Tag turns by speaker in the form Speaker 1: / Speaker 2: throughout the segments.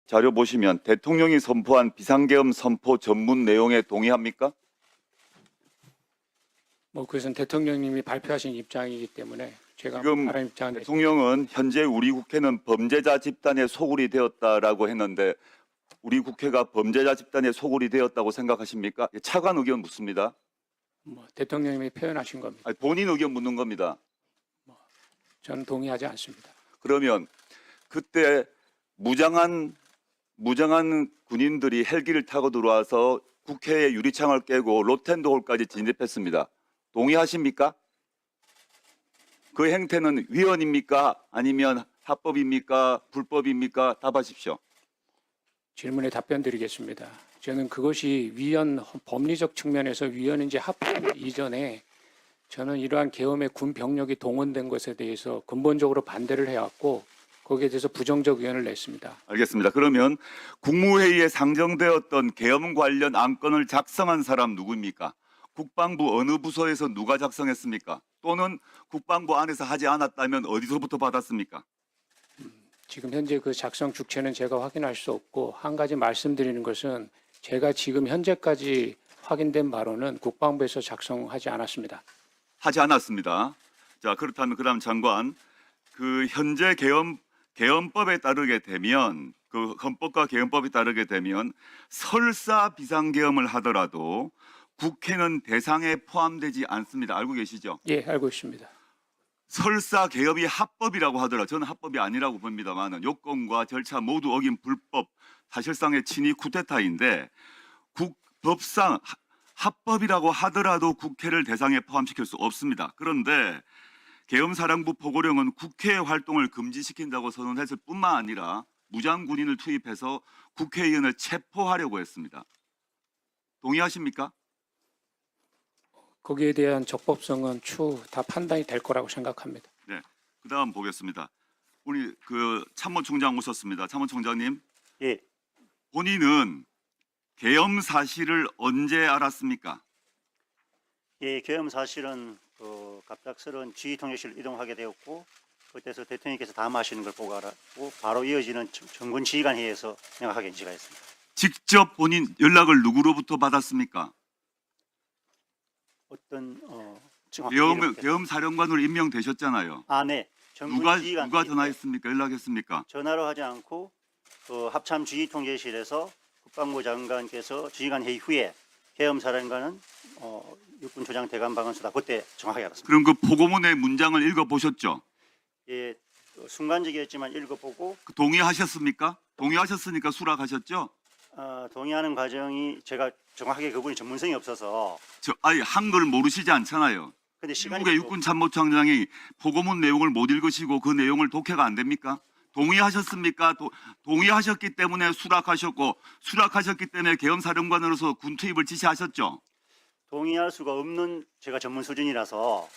Speaker 1: 자료 보시면 대통령이 선포한 비상계엄 선포 전문 내용에 동의합니까?
Speaker 2: 그것은 대통령님이 발표하신 입장이기 때문에 제가
Speaker 1: 지금
Speaker 2: 다른 입장은
Speaker 1: 대통령은 현재 우리 국회는 범죄자 집단의 소굴이 되었다라고 했는데 우리 국회가 범죄자 집단의 소굴이 되었다고 생각하십니까? 차관 의견 묻습니다.
Speaker 2: 대통령님이 표현하신 겁니다.
Speaker 1: 아니, 본인 의견 묻는 겁니다.
Speaker 2: 저는 동의하지 않습니다.
Speaker 1: 그러면 그때 무장한 군인들이 헬기를 타고 들어와서 국회의 유리창을 깨고 로텐도홀까지 진입했습니다. 동의하십니까? 그 행태는 위헌입니까? 아니면 합법입니까? 불법입니까? 답하십시오.
Speaker 2: 질문에 답변 드리겠습니다. 저는 그것이 위헌, 법리적 측면에서 위헌인지 합법 이전에 저는 이러한 계엄에 군 병력이 동원된 것에 대해서 근본적으로 반대를 해왔고 거기에 대해서 부정적 의견을 냈습니다.
Speaker 1: 알겠습니다. 그러면 국무회의에 상정되었던 계엄 관련 안건을 작성한 사람 누구입니까? 국방부 어느 부서에서 누가 작성했습니까? 또는 국방부 안에서 하지 않았다면 어디서부터 받았습니까?
Speaker 2: 지금 현재 그 작성 주체는 제가 확인할 수 없고 한 가지 말씀드리는 것은 제가 지금 현재까지 확인된 바로는 국방부에서 작성하지 않았습니다.
Speaker 1: 하지 않았습니다. 자, 그렇다면 그다음 장관, 그 현재 계엄법에 따르게 되면 그 헌법과 계엄법에 따르게 되면 설사 비상계엄을 하더라도 국회는 대상에 포함되지 않습니다. 알고 계시죠?
Speaker 2: 예, 알고 있습니다.
Speaker 1: 설사 계엄이 합법이라고 하더라도 저는 합법이 아니라고 봅니다만 요건과 절차 모두 어긴 불법, 사실상의 친위 쿠데타인데 법상 합법이라고 하더라도 국회를 대상에 포함시킬 수 없습니다. 그런데 계엄사령부 포고령은 국회의 활동을 금지시킨다고 선언했을 뿐만 아니라 무장군인을 투입해서 국회의원을 체포하려고 했습니다. 동의하십니까?
Speaker 2: 거기에 대한 적법성은 추후 다 판단이 될 거라고 생각합니다.
Speaker 1: 네. 그다음 보겠습니다. 우리 그 참모총장 오셨습니다. 참모총장님.
Speaker 3: 예,
Speaker 1: 본인은 계엄 사실을 언제 알았습니까?
Speaker 3: 예, 계엄 사실은 갑작스러운 지휘통역실을 이동하게 되었고 그때서 대통령께서 담화하시는 걸 보고 알았고 바로 이어지는 정군 지휘관 회의에서 명확하게 인지가 했습니다.
Speaker 1: 직접 본인 연락을 누구로부터 받았습니까?
Speaker 3: 어떤 정확히 이해를 못했습니다.
Speaker 1: 계엄 사령관으로 임명되셨잖아요.
Speaker 3: 아, 네. 정군
Speaker 1: 누가
Speaker 3: 지휘관
Speaker 1: 누가
Speaker 3: 회의 때
Speaker 1: 전화했습니까? 연락했습니까?
Speaker 3: 전화로 하지 않고 합참 지휘통제실에서 국방부 장관께서 지휘관 회의 후에 계엄 사령관은 육군 조장 대감 방언수다. 그때 정확하게 알았습니다.
Speaker 1: 그럼 그 보고문의 문장을 읽어보셨죠?
Speaker 3: 예, 순간적이었지만 읽어보고
Speaker 1: 동의하셨습니까? 동의하셨으니까 수락하셨죠?
Speaker 3: 동의하는 과정이 제가 정확하게 그분이 전문성이 없어서
Speaker 1: 아니 한글 모르시지 않잖아요.
Speaker 3: 근데 시간이
Speaker 1: 미국의 육군 참모총장이 보고문 내용을 못 읽으시고 그 내용을 독해가 안 됩니까? 동의하셨습니까? 동의하셨기 때문에 수락하셨고 수락하셨기 때문에 계엄사령관으로서 군 투입을 지시하셨죠?
Speaker 3: 동의할 수가 없는 제가 전문 수준이라서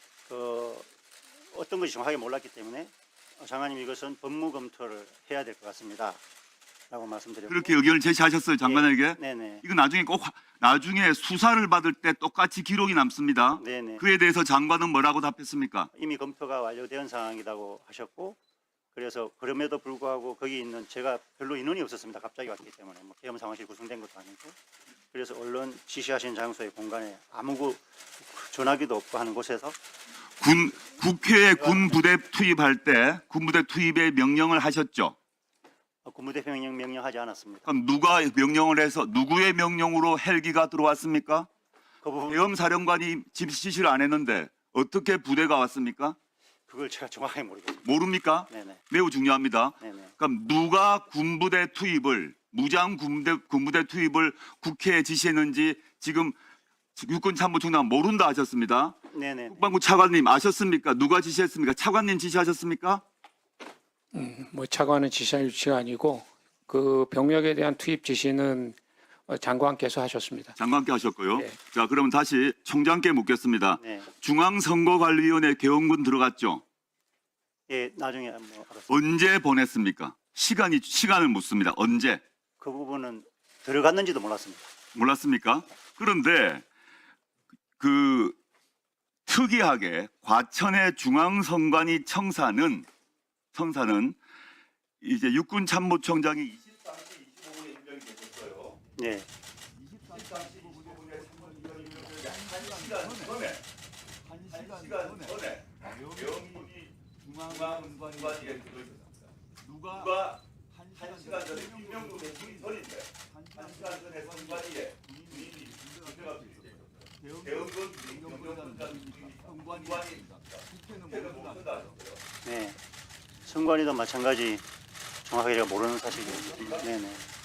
Speaker 3: 어떤 것이 정확하게 몰랐기 때문에 장관님 이것은 법무 검토를 해야 될 것 같습니다. 라고 말씀드렸고
Speaker 1: 그렇게 의견을 제시하셨어요, 장관에게?
Speaker 3: 네네.
Speaker 1: 이거 나중에 수사를 받을 때 똑같이 기록이 남습니다.
Speaker 3: 네네.
Speaker 1: 그에 대해서 장관은 뭐라고 답했습니까?
Speaker 3: 이미 검토가 완료된 상황이라고 하셨고 그래서 그럼에도 불구하고 거기 있는 제가 별로 인원이 없었습니다. 갑자기 왔기 때문에 계엄 상황실이 구성된 것도 아니고 그래서 언론 지시하신 장소의 공간에 아무 전화기도 없고 하는 곳에서
Speaker 1: 국회에 군부대 투입할 때 군부대 투입의 명령을 하셨죠?
Speaker 3: 군부대 명령하지 않았습니다.
Speaker 1: 그럼 누가 명령을 해서 누구의 명령으로 헬기가 들어왔습니까?
Speaker 3: 그 부분
Speaker 1: 계엄 사령관이 지시를 안 했는데 어떻게 부대가 왔습니까?
Speaker 3: 그걸 제가 정확하게 모르겠습니다.
Speaker 1: 모릅니까?
Speaker 3: 네네.
Speaker 1: 매우 중요합니다.
Speaker 3: 네네.
Speaker 1: 그럼 누가 군부대 투입을 무장 군부대 투입을 국회에 지시했는지 지금 육군 참모총장 모른다 하셨습니다.
Speaker 3: 네네.
Speaker 1: 국방부 차관님 아셨습니까? 누가 지시했습니까? 차관님 지시하셨습니까?
Speaker 2: 차관은 지시할 위치가 아니고 그 병력에 대한 투입 지시는 장관께서 하셨습니다.
Speaker 1: 장관께 하셨고요.
Speaker 2: 네.
Speaker 1: 자, 그러면 다시 총장께 묻겠습니다.
Speaker 3: 네.
Speaker 1: 중앙선거관리위원회 계엄군 들어갔죠?
Speaker 3: 예, 나중에 알았습니다.
Speaker 1: 언제 보냈습니까? 시간을 묻습니다. 언제?
Speaker 3: 그 부분은 들어갔는지도 몰랐습니다.
Speaker 1: 몰랐습니까? 그런데 그 특이하게 과천의 중앙선관위 청사는 이제 육군 참모총장이 24일
Speaker 3: 네.
Speaker 1: 23시 15분에 3번 1시간 전에 1시간 전에 명인이 중앙선관위에 들어있었습니다. 누가 1시간 전에 김명도 대통령이 전인데 1시간 전에 선관위에 군인이 들어갈 수 있었어요. 대응건 경정권자들이 선관위입니다. 국회는 모른다.
Speaker 3: 네. 선관위도 마찬가지 정확하게 제가 모르는 사실이에요. 네네.